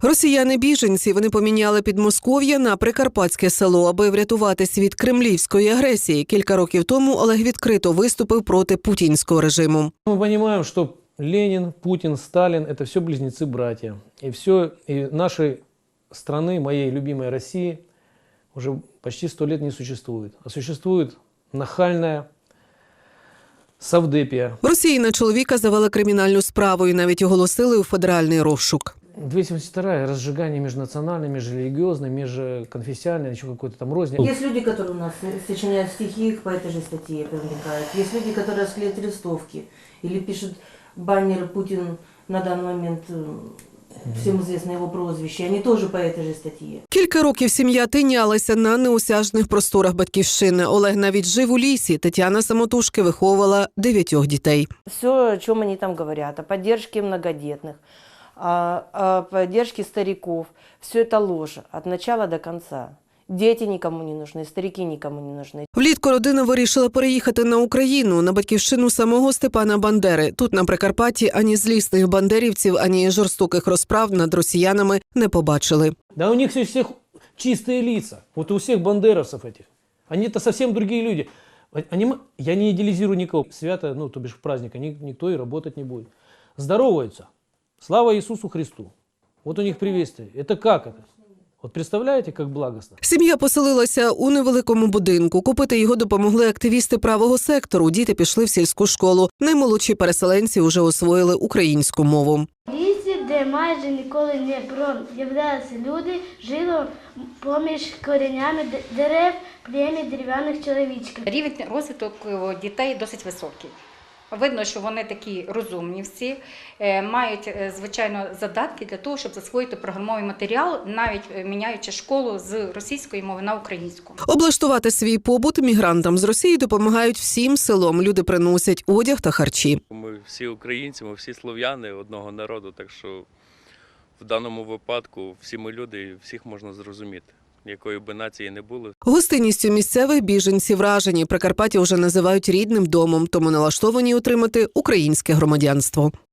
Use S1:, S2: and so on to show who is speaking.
S1: Росіяни-біженці, вони поміняли Підмосков'я на прикарпатське село, аби врятуватись від кремлівської агресії. Кілька років тому Олег відкрито виступив проти путінського режиму.
S2: Мы понимаем, что Ленин, Путин, Сталин – это все близнецы-братья. И нашей страны, моей любимой России, уже почти 100 лет не существует. А существует нахальная Савдепія.
S1: В Росії на чоловіка завели кримінальну справу і навіть оголосили у федеральний розшук.
S2: 272 – разжигание межнациональной, межрелигиозной, межконфессиональной, еще какой-то там розни.
S3: Есть люди, которые у нас сочиняют стихи, по этой же статье привлекают. Есть люди, которые склеят листовки или пишут баннеры «Путин» на данный момент, всем известно его прозвище. Они тоже по этой же статье.
S1: Кілька років сім'я тинялася на неосяжних просторах батьківщини. Олег навіть жив у лісі. Тетяна самотужки виховувала 9 дітей.
S3: Все, о чем они там говорят, о поддержке многодетных, о поддержке стариков, все это ложь от начала до конца. Дети никому не нужны, старики никому не нужны.
S1: Влітку родина вирішила переїхати на Україну, на батьківщину самого Степана Бандери. Тут, на Прикарпатті, ані злісних бандерівців, ані жорстоких розправ над росіянами не побачили.
S2: Да у них у всех чистые лица. Вот у всех бандеровцев этих. Они-то совсем другие люди. Я не идеализирую никого. Свято, то бишь в праздник, никто и работать не будет. Здороваются. Слава Иисусу Христу. Вот у них приветствие. Это как это? От представляєте, як благосно?
S1: Сім'я поселилася у невеликому будинку. Купити його допомогли активісти правого сектору. Діти пішли в сільську школу. Наймолодші переселенці вже освоїли українську мову.
S4: В лісі, де майже ніколи не проявлялися люди, жило поміж коренями дерев плем'я дерев'яних чоловічків.
S5: Рівень розвитку дітей досить високий. Видно, що вони такі розумні всі, мають, звичайно, задатки для того, щоб засвоїти програмовий матеріал, навіть міняючи школу з російської мови на українську.
S1: Облаштувати свій побут мігрантам з Росії допомагають всім селом. Люди приносять одяг та харчі.
S6: Ми всі українці, ми всі слов'яни одного народу, так що в даному випадку всі ми люди і всіх можна зрозуміти. Якої би нації не було.
S1: Гостинністю місцевих біженці вражені. Прикарпаття вже називають рідним домом, тому налаштовані отримати українське громадянство.